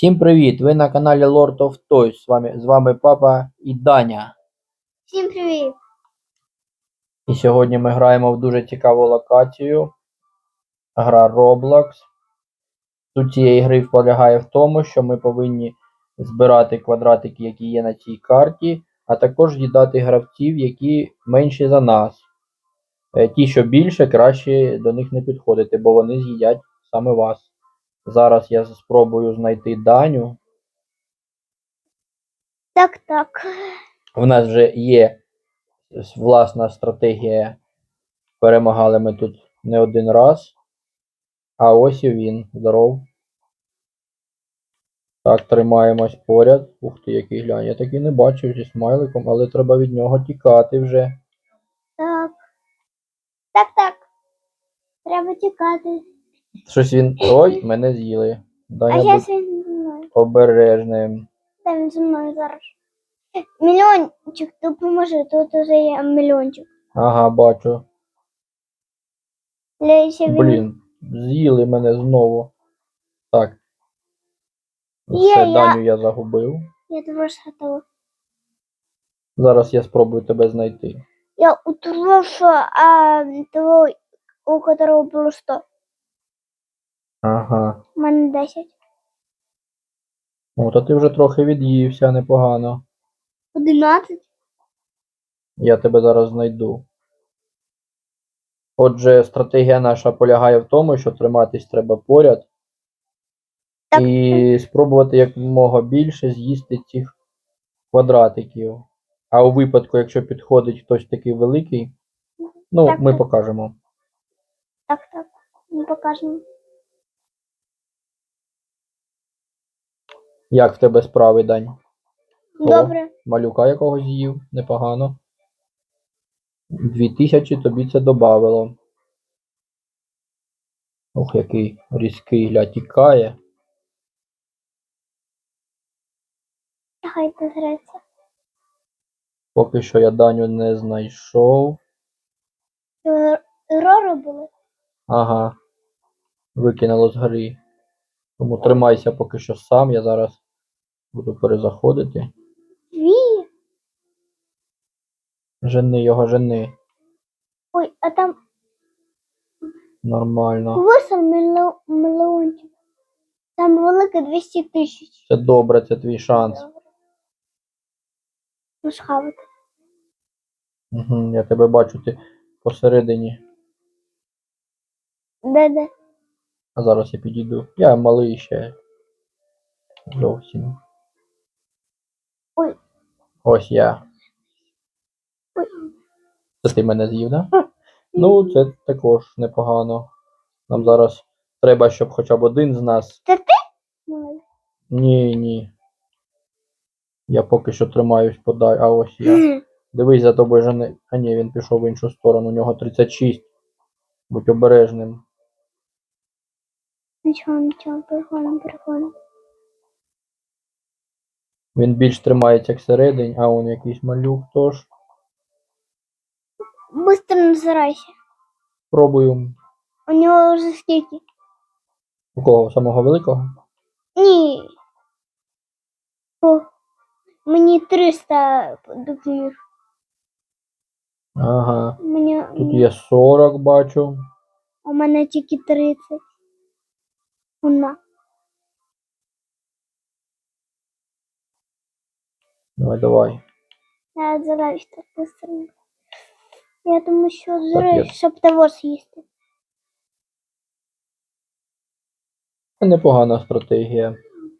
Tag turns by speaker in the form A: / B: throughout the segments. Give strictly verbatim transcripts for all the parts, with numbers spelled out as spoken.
A: Всім привіт! Ви на каналі Lord of Toys. З вами, з вами папа і Даня.
B: Всім привіт!
A: І сьогодні ми граємо в дуже цікаву локацію. Гра Roblox. Суть цієї гри полягає в тому, що ми повинні збирати квадратики, які є на цій карті, а також їдати гравців, які менші за нас. Ті, що більше, краще до них не підходити, бо вони з'їдять саме вас. Зараз я спробую знайти Даню.
B: Так, так.
A: У нас вже є власна стратегія. Перемагали ми тут не один раз. А ось і він. Здоров. Так, тримаємось поряд. Ух ти, який глянь. Я таки не бачив зі смайликом, але треба від нього тікати вже.
B: Так. Так, так. Треба тікати.
A: Щось він... Ой, мене з'їли.
B: А
A: Даня,
B: зараз
A: будь
B: він зі мною.
A: обережним.
B: Та він зі мною зараз. Мільйончик, допоможи, тут уже є мільйончик.
A: Ага, бачу.
B: Лейся він.
A: Блін, з'їли мене знову. Так.
B: Є,
A: Все,
B: я-
A: Даню я загубив.
B: Я теж готова.
A: Зараз я спробую тебе знайти.
B: Я у того, що а, того, у которого було сто.
A: Ага.
B: У мене десять.
A: О, то ти вже трохи від'ївся, непогано.
B: одинадцять.
A: Я тебе зараз знайду. Отже, стратегія наша полягає в тому, що триматись треба поряд
B: Так.
A: і спробувати якомога більше з'їсти цих квадратиків. А у випадку, якщо підходить хтось такий великий, ну,
B: Так,
A: ми
B: так.
A: покажемо.
B: Так, так. Ми покажемо.
A: Як в тебе справи, Дань? О,
B: Добре.
A: малюка якогось з'їв, непогано. Дві тисячі тобі це добавило. Ох, який різкий, гля, тікає.
B: Хай дозреться.
A: Поки що я Даню не знайшов.
B: Рори були.
A: Ага. Викинуло з гри. Тому тримайся поки що сам, я зараз буду перезаходити.
B: Дві.
A: Жени його, жени.
B: Ой, а там
A: Нормально.
B: восемь мільйонів. Там велике двісті тисяч.
A: Це добре, це твій шанс.
B: Ну, схавати.
A: Угу, я тебе бачу, ти посередині.
B: Де-де?
A: А зараз я підійду. Я малий ще. Зовсім.
B: Ой.
A: Ось я.
B: Ой.
A: Це ти мене з'їв, да? Ну, це також непогано. Нам зараз треба, щоб хоча б один з нас.
B: Це ти? Малий.
A: Ні, ні. Я поки що тримаюсь подай, а ось я. Дивись, за тобою жени. А ні, він пішов в іншу сторону, у нього тридцять шість. Будь обережним.
B: Нічого, нічого, переходимо, переходимо.
A: Він більш тримається всередині, а он якийсь малюк тож.
B: Быстро назирайся.
A: Пробую.
B: У нього вже скільки?
A: У кого? Самого великого?
B: Ні. О, мені триста допоміг.
A: Ага.
B: Мені,
A: Тут є сорок, бачу.
B: у мене тільки тридцять. Вона.
A: Давай, давай.
B: Я отзираюсь так быстро. Я думаю, що
A: я-
B: отзираюсь, щоб того з'їсти.
A: Це непогана стратегія.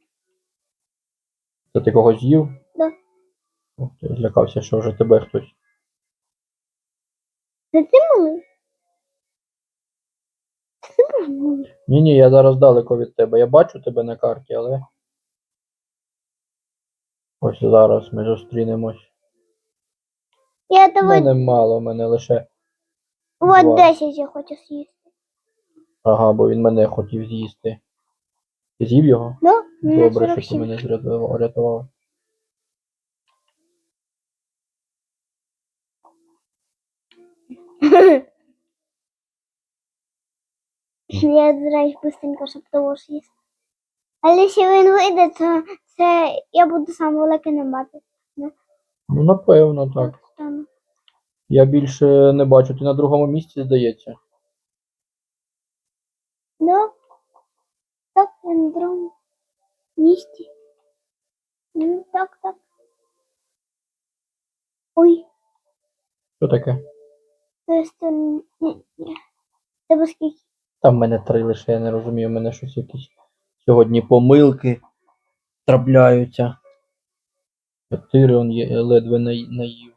A: Це ти когось з'їв?
B: Да.
A: Ух, ти, злякався, що вже тебе хтось.
B: Це ти малий? Це ти малий?
A: Ні-ні, я зараз далеко від тебе. Я бачу тебе на карті, але. Ось зараз ми зустрінемось.
B: Я
A: У
B: того
A: мене мало, у мене лише.
B: вот
A: два.
B: десять я хочу з'їсти.
A: Ага, бо він мене хотів з'їсти. Ти з'їв його?
B: Ну, мене
A: Добре, що
B: сорок
A: ти
B: сім.
A: мене зрятував- врятував.
B: Я отзираюсь быстренько, щоб того з'їсти. Але якщо він вийде, то це я буду сам великий на мапі.
A: Ну, напевно, так.
B: Так стану.
A: Я більше не бачу. Ти на другому місці, здається.
B: Да? Так, я на другому місці. Ну, так, так. Ой,
A: Що таке?
B: то есть, ні, ні. Тебе скільки?
A: Там в мене три лише, я не розумію, в мене щось якісь сьогодні помилки трапляються. Чотири он є, я ледве наї- наїв.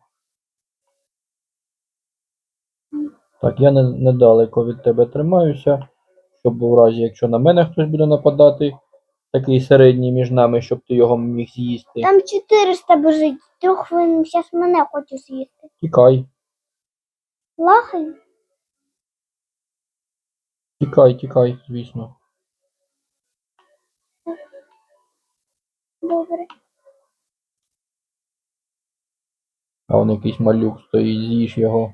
A: Так, я не, недалеко від тебе тримаюся, щоб в разі, якщо на мене хтось буде нападати, такий середній між нами, щоб ти його міг з'їсти.
B: Там чотириста біжить. Трьох він зараз мене хоче з'їсти.
A: Тікай,
B: Лахай?
A: тікай, тікай, звісно.
B: Добре.
A: А он якийсь малюк стоїть, з'їж його.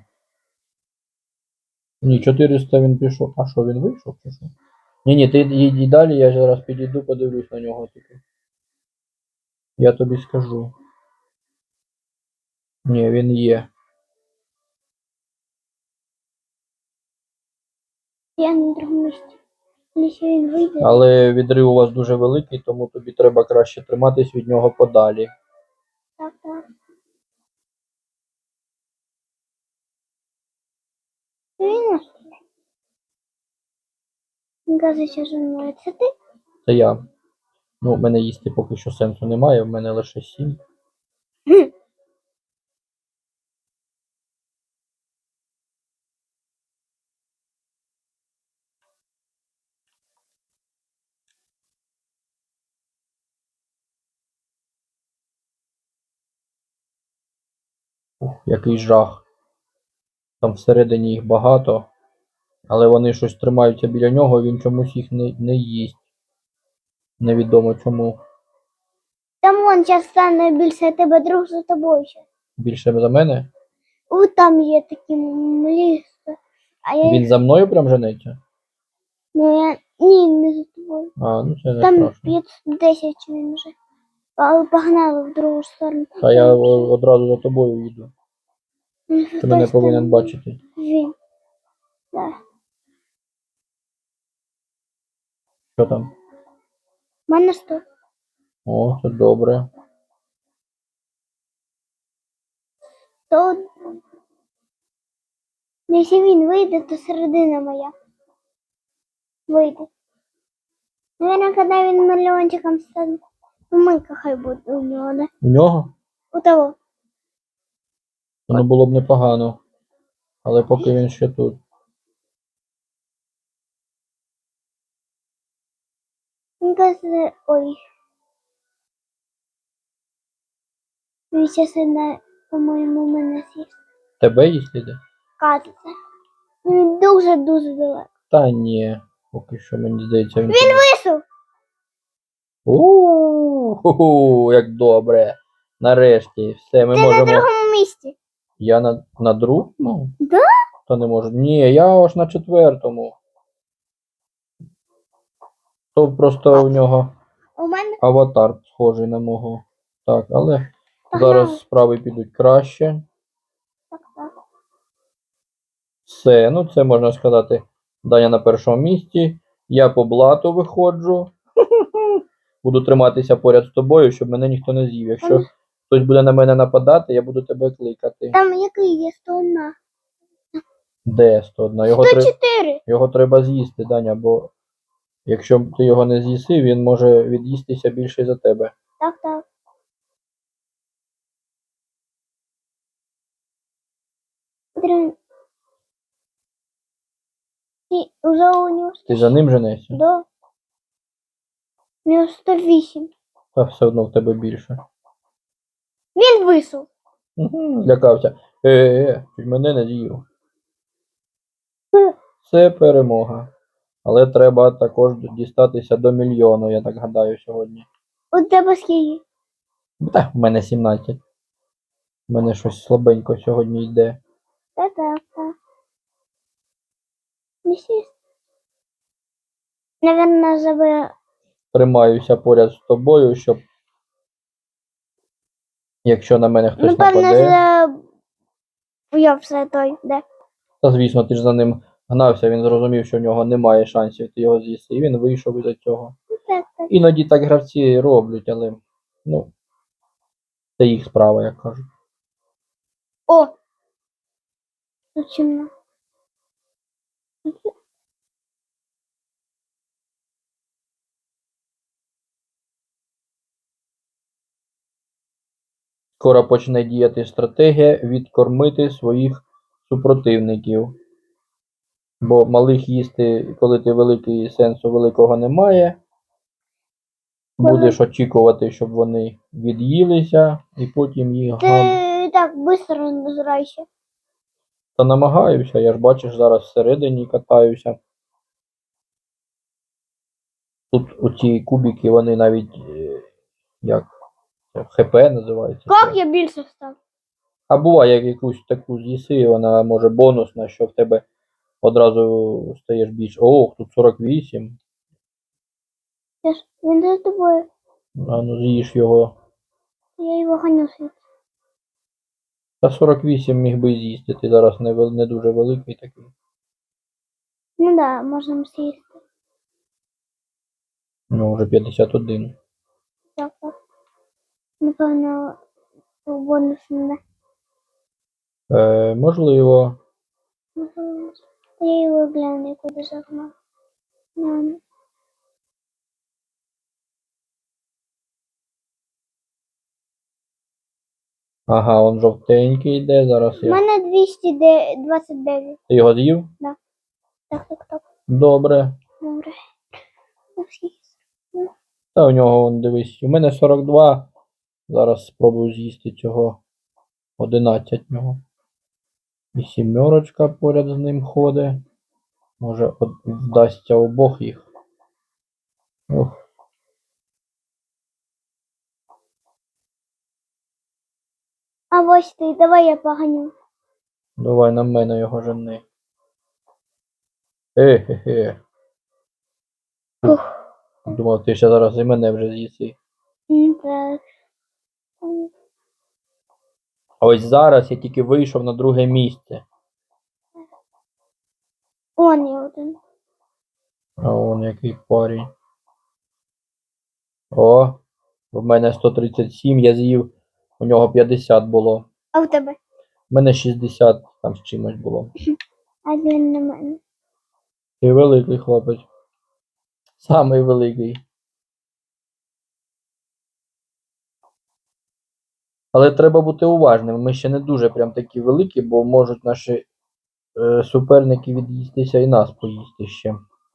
A: Ні, чотириста він пішов. А що, він вийшов чи що? Ні, ні, ти йди далі, я зараз підійду, подивлюсь на нього тільки. Я тобі скажу. Ні, він є.
B: Я на другому місці. Якщо він вийде.
A: Але відрив у вас дуже великий, тому тобі треба краще триматись від нього подалі.
B: Так, так. Він ось. Він каже, що зі мною. Це ти?
A: Це я. Ну, в мене їсти поки що сенсу немає, в мене лише сім.
B: Хм.
A: Ух, який жах. Там всередині їх багато, але вони щось тримаються біля нього, він чомусь їх не, не їсть. Невідомо чому.
B: Там вон зараз стане більше тебе друг за тобою ще.
A: Більше за мене.
B: О, там є такі мліси. А я
A: Він
B: їх...
A: за мною прям женеться?
B: Ну, я... Ні, не за тобою.
A: А, ну це не
B: Там
A: страшно.
B: п'ятсот десять він вже. Але погнали в другу сторону.
A: Та я о- одразу за тобою їду. Ти мене повинен бачити.
B: Він. Да.
A: Що там?
B: У мене сто.
A: О, це добре.
B: То... Якщо він вийде, то середина моя. Вийде. Наверное, коли він мільйончиком стане. Мийка хай буде у нього, да?
A: У нього?
B: У того.
A: Воно було б непогано. Але поки він ще тут.
B: Він каже, ой. Він зараз одна, по-моєму, мене з'їсть.
A: Тебе їсть іде?
B: Кажеться. Він дуже-дуже далеко.
A: Та ні. Поки що мені здається, він.
B: Він висув.
A: У-ху-ху, як добре. Нарешті, все, ми
B: Ти на
A: можемо.
B: другому місці.
A: Я на, на другому?
B: Да?
A: Та не можу. Ні, я аж на четвертому. То просто у нього
B: У мене
A: аватар схожий на мого. Так, але
B: Погнали.
A: зараз справи підуть краще.
B: так, так.
A: Все, ну це можна сказати. Даня на першому місці. Я по блату виходжу. Буду триматися поряд з тобою, щоб мене ніхто не з'їв. Якщо
B: Ем.
A: хтось буде на мене нападати, я буду тебе кликати.
B: Там який є сто один.
A: Де сто один? Його, тре...
B: сто чотири.
A: його треба з'їсти, Даня, бо якщо ти його не з'їси, він може від'їстися більше за тебе.
B: Так, так. Потрібно. І вже у нього
A: Ти за ним женешся?
B: до. У нього сто вісім.
A: Та все одно в тебе більше.
B: Він висув.
A: Угу, злякався. Е-е-е, чуть мене не з'їв. Це перемога. Але треба також дістатися до мільйону, я так гадаю, сьогодні.
B: У тебе скільки?
A: Та, в мене сімнадцять. У мене щось слабенько сьогодні йде.
B: Так, так, так. Не сість. Наверное, забив
A: тримаюся поряд з тобою, щоб якщо на мене хтось
B: Напевно,
A: нападе.
B: за... я все той, де.
A: Та звісно, ти ж за ним гнався, він зрозумів, що в нього немає шансів, ти його з'їси, і він вийшов із цього.
B: Так, так.
A: Іноді так гравці роблять, але ну, це їх справа, як кажуть.
B: О! Тут чимно.
A: Скоро почне діяти стратегія відкормити своїх супротивників. Бо малих їсти, коли ти великий, сенсу великого немає. Будеш очікувати, щоб вони від'їлися, і потім їх
B: Ти
A: гам.
B: так швидко розбирайся.
A: Та намагаюся, я ж бачиш, зараз всередині катаюся. Тут оці кубики, вони навіть е, як це, ХП називається.
B: Як я більше став?
A: А буває, як якусь таку з'їси, вона може бонусна, що в тебе одразу стаєш більше. Ох, тут сорок вісім.
B: Я ж, він за тобою.
A: А ну з'їж його.
B: Я його ганю світ.
A: Та сорок вісім міг би з'їсти, ти зараз не, вел- не дуже великий такий.
B: Ну да, можемо сісти.
A: Ну, вже п'ятдесят один.
B: Так, так. Напевно, бонус не.
A: Е, можливо.
B: Напевно. Та я його гляну, куди загнав. Гляну.
A: Ага, он жовтенький йде, зараз
B: У
A: я.
B: мене двісті двадцять дев'ять.
A: Ти його з'їв?
B: Так, так, так.
A: Добре.
B: Добре. Ну, скільки?
A: Та у нього, он, дивись, у мене сорок два. Зараз спробую з'їсти цього одинадцять в нього. І сімерочка поряд з ним ходить. Може от, вдасться обох їх. Ох.
B: А ось ти, давай я поганю.
A: Давай на мене його жени. Е-хе-хе.
B: Ух.
A: Думав, ти ще зараз і мене вже з'їси.
B: М, Так.
A: А ось зараз я тільки вийшов на друге місце.
B: Он є один.
A: А он який парень. О, в мене сто тридцять сім, я з'їв, у нього п'ятдесят було.
B: А в тебе?
A: У мене шістдесят там з чимось було.
B: А він на мене.
A: Ти великий хлопець. Самий великий. Але треба бути уважним. Ми ще не дуже прям такі великі, бо можуть наші е, суперники від'їстися і нас поїсти ще.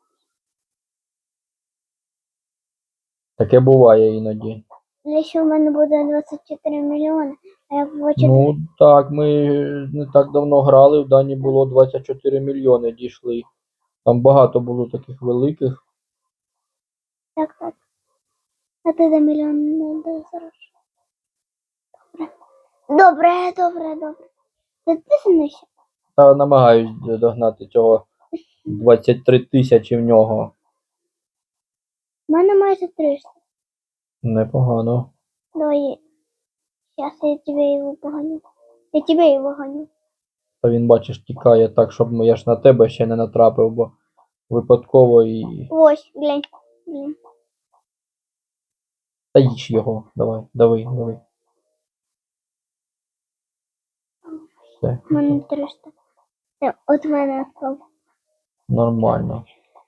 A: Таке буває іноді.
B: Якщо в мене буде двадцять чотири мільйони, а я хочу...
A: Ну так, ми не так давно грали, в Дані було двадцять чотири мільйони дійшли. Там багато було таких великих.
B: Так, так. А ти де мільйон не зараз? Добре. Добре, добре, добре. Підписуйся.
A: Та намагаюсь догнати цього двадцять три тисячі в нього.
B: У мене майже триста.
A: Непогано.
B: Давай. Сейчас я тебе его погоню. Я тебе его гоню.
A: Та він, бачиш, тікає так, щоб я ж на тебе ще не натрапив, бо випадково і.
B: Ось, глянь. Глянь.
A: Та їж його. Давай, давай, давай. Все,
B: У мене триста. Е, От мене відпав.
A: нормально.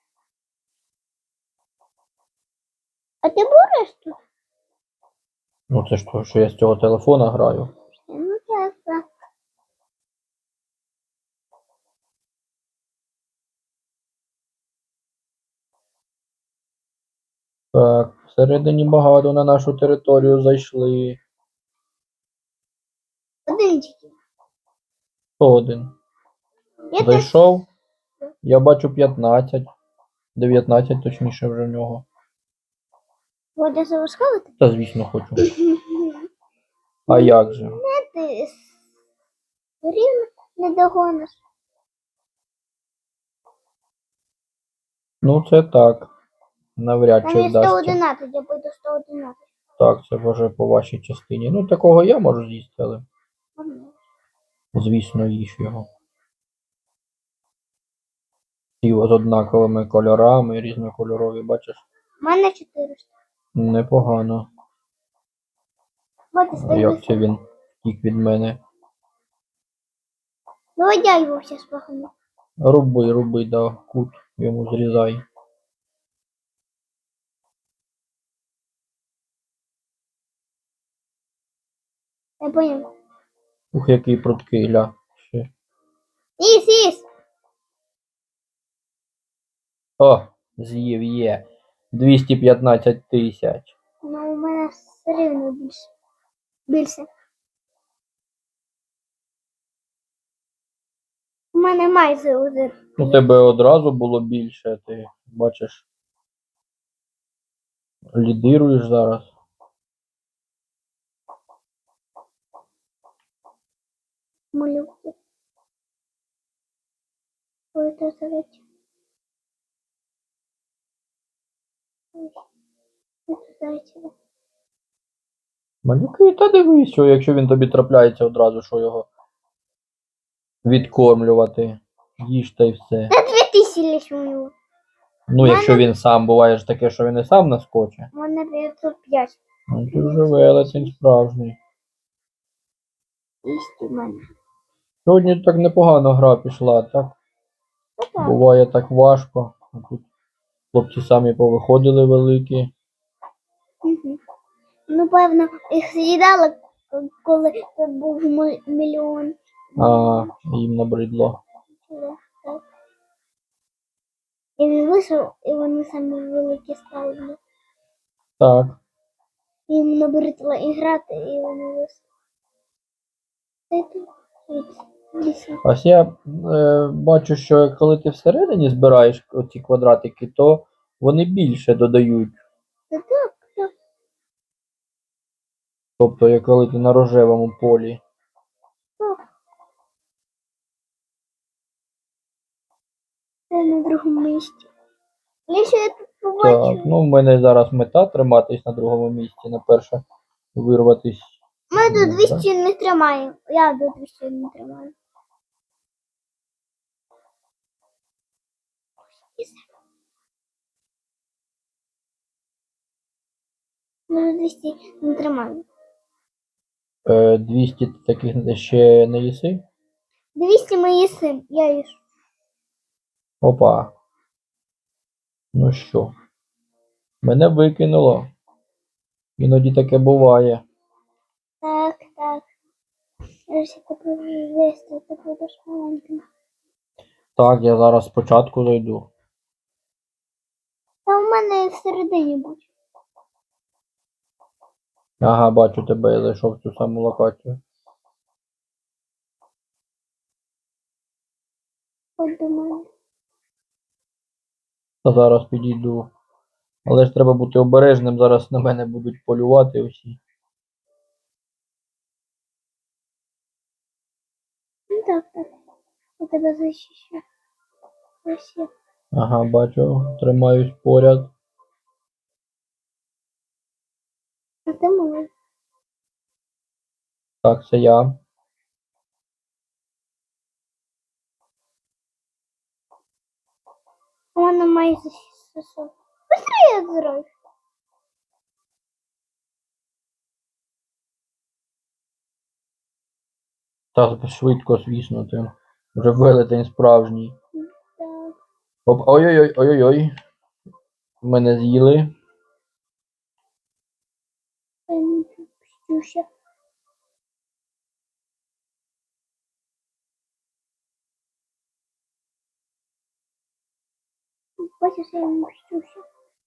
B: А ти будеш тут?
A: Ну це ж то, що я з цього телефона граю.
B: Ну так, так.
A: Так, всередині багато на нашу територію зайшли.
B: Один тільки.
A: Хто один?
B: Я теж.
A: Зайшов. Я бачу п'ятнадцять. дев'ятнадцять точніше вже в нього.
B: Водя завушкалити?
A: Та звісно хочу. А як же?
B: Не ти рівно не догониш.
A: Ну це так. навряд
B: Там
A: чи
B: є сто
A: вдасться.
B: одинадцять, я пойду сто одинадцять.
A: Так, це вже по вашій частині. Ну, такого я можу з'їсти, але, звісно, їж його. Ті з однаковими кольорами, різнокольорові, бачиш?
B: У мене чотириста.
A: Непогано.
B: Вот і
A: А
B: стоїть.
A: як це він втік від мене?
B: Давай я його зараз пахну.
A: Руби, руби, да, кут йому зрізай.
B: Я понял.
A: Ух, який пруткий, гля. Ще.
B: Іс, іс.
A: О, з'їв є. двісті п'ятнадцять тисяч.
B: Ну, у мене все рівно більше. Більше. У мене майже уже.
A: У тебе одразу було більше, ти бачиш. Лідируєш зараз.
B: Малюки. Ой, це зайчик. Ой, це зайчик.
A: Малюки, та дивись, що якщо він тобі трапляється одразу, що його відкормлювати. Їж та й все.
B: Та дві тисячі лише у нього.
A: Ну,
B: мене-
A: якщо він сам буває ж таке, що він і сам наскоче.
B: У мене дев'ятсот п'ять.
A: Ну, ти вже велетень справжній.
B: Ість у мене.
A: Сьогодні так непогано гра пішла, так?
B: Ну так.
A: Буває так важко. А тут хлопці самі повиходили великі.
B: Угу. Ну, певно, їх з'їдали, коли тут був м- мільйон.
A: А їм набридло.
B: Да, так. І він вийшов, і вони самі великі стали.
A: Так.
B: Їм набридло і грати, і вони вийшли. Це тут. Лісі.
A: Ось я е, бачу, що коли ти всередині збираєш оці квадратики, то вони більше додають.
B: Та так, так.
A: Тобто, як коли ти на рожевому полі.
B: так. Це на другому місці. Лише я тут побачу.
A: Так, ну в мене зараз мета триматись на другому місці, на перше вирватись.
B: Ми до
A: Ну,
B: двісті не тримаємо. Я до двісті не тримаю. Ми до двісті не тримаємо.
A: Е, двісті таких ще не їси?
B: двісті ми їсим, я їж.
A: Опа. Ну що? Мене викинуло. Іноді таке буває.
B: Так, так. Якщо ти будеш вести, ти будеш маленьким.
A: Так, я зараз спочатку зайду.
B: Та у мене всередині будь.
A: Ага, бачу тебе, я зайшов в цю саму локацію.
B: Ходь до мене.
A: Та зараз підійду. Але ж треба бути обережним, зараз на мене будуть полювати усі.
B: Ну так, так. Я тебе захищу. Ось я.
A: Ага, бачу, тримаюсь поряд.
B: А ти малий.
A: Так, це я.
B: У мене майже шістсот. Быстрее зрой.
A: Так, швидко, звісно, ти. Вже велетень справжній.
B: Так.
A: Оп, ой-ой-ой, ой-ой-ой. Мене з'їли.
B: Я не пустюся. Бачиш, я не пустюся.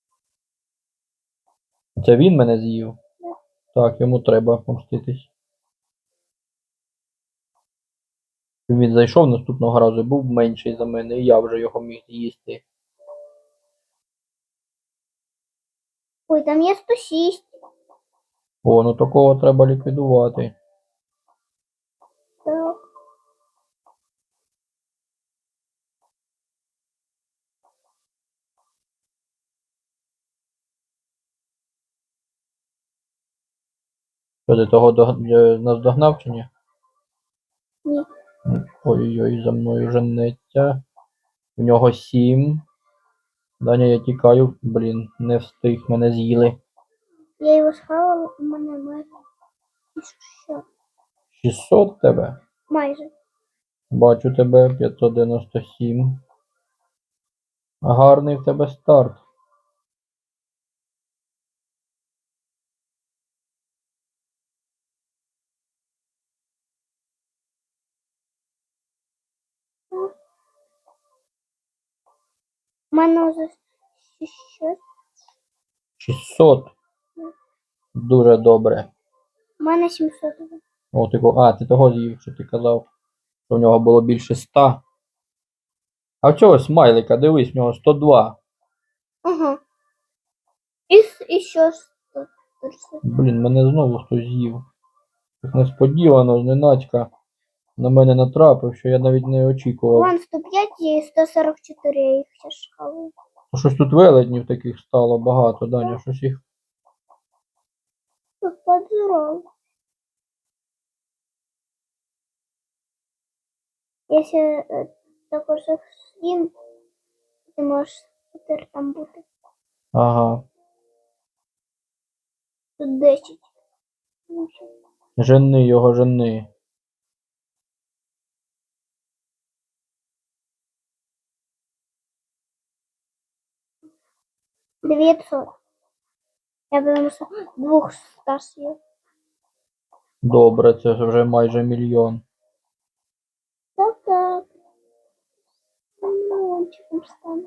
A: Це він мене з'їв?
B: Да.
A: Так, йому треба помститись. Він зайшов наступного разу, був менший за мене, і я вже його міг з'їсти.
B: Ой, там є сто шість.
A: О, ну такого треба ліквідувати.
B: Так.
A: Що ти того дог- е, наздогнав чи ні?
B: Ні.
A: Ой-ой, за мною женеться. У нього сім. Даня, я тікаю. Блін, не встиг, мене з'їли.
B: Я його схавала, у мене майже. І що?
A: шістсот тебе.
B: Майже.
A: Бачу тебе, п'ятсот дев'яносто сім. Гарний в тебе старт.
B: У мене вже що?
A: шістсот. Дуже добре.
B: У мене сімсот.
A: О, ти, ко- а, ти того з'їв, що ти казав, що в нього було більше ста. А в цього смайлика, дивись, в нього сто два.
B: Ага. І, с- і що ж тут? Тут все.
A: Блін, мене знову хтось з'їв. Так несподівано, зненацька на мене натрапив, що я навіть не очікував.
B: Вон сто п'ять і сто сорок чотири, я їх ще шкалую.
A: Ну, щось тут велетнів таких стало багато, Даня, щось їх.
B: Тут подзоров. Якщо е, також їх з'їм, ти можеш тепер там бути.
A: Ага.
B: Тут десять. Ну, що?
A: Жени його, жени.
B: дев'ятсот. Я потому що двох ста съел.
A: Добре, це ж вже майже мільйон.
B: Так, так. Миллиончиком стану.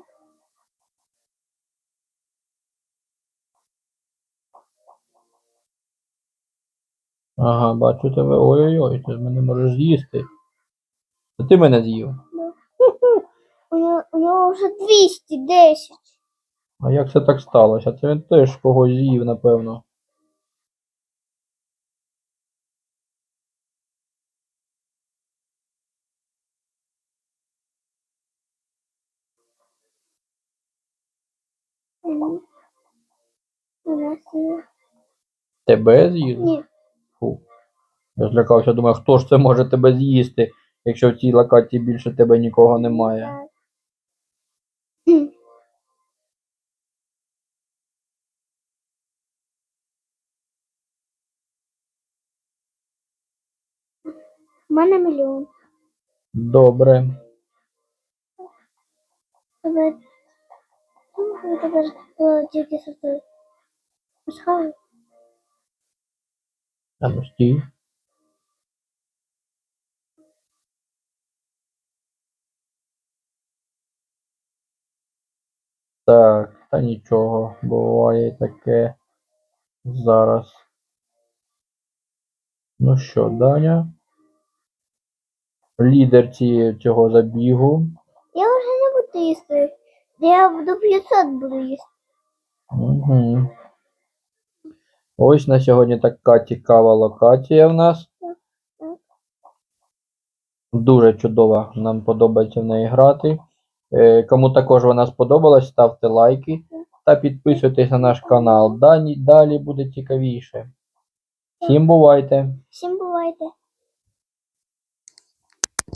A: Ага, бачу тебе. Ой-ой-ой, ти ж мене можеш з'їсти. Та ти мене з'їв.
B: У нього, у нього вже двісті десять.
A: А як це так сталося? Це він теж когось з'їв, напевно.
B: Мгм. У нас є.
A: Тебе з'їв?
B: Ні.
A: Фу. Я злякався, думаю, хто ж це може тебе з'їсти, якщо в цій локації більше тебе нікого немає.
B: Так. Хм. У мене мільйон.
A: Добре.
B: Тебе. Ну, тебе ж е, тільки соти. Пасхали.
A: А ну стій. Так, та нічого, буває таке зараз. Ну що, Даня? Лідер цієї цього забігу.
B: Я вже не буду їсти. Я до п'ятсот буду їсти.
A: Угу. Ось на сьогодні така цікава локація в нас.
B: Так.
A: Дуже чудова, нам подобається в неї грати. Е, Кому також вона сподобалась, ставте лайки та підписуйтесь на наш канал. Далі, далі буде цікавіше. Всім бувайте!
B: Всім бувайте.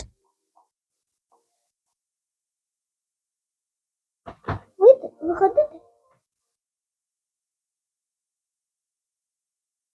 B: Вийти, виходити.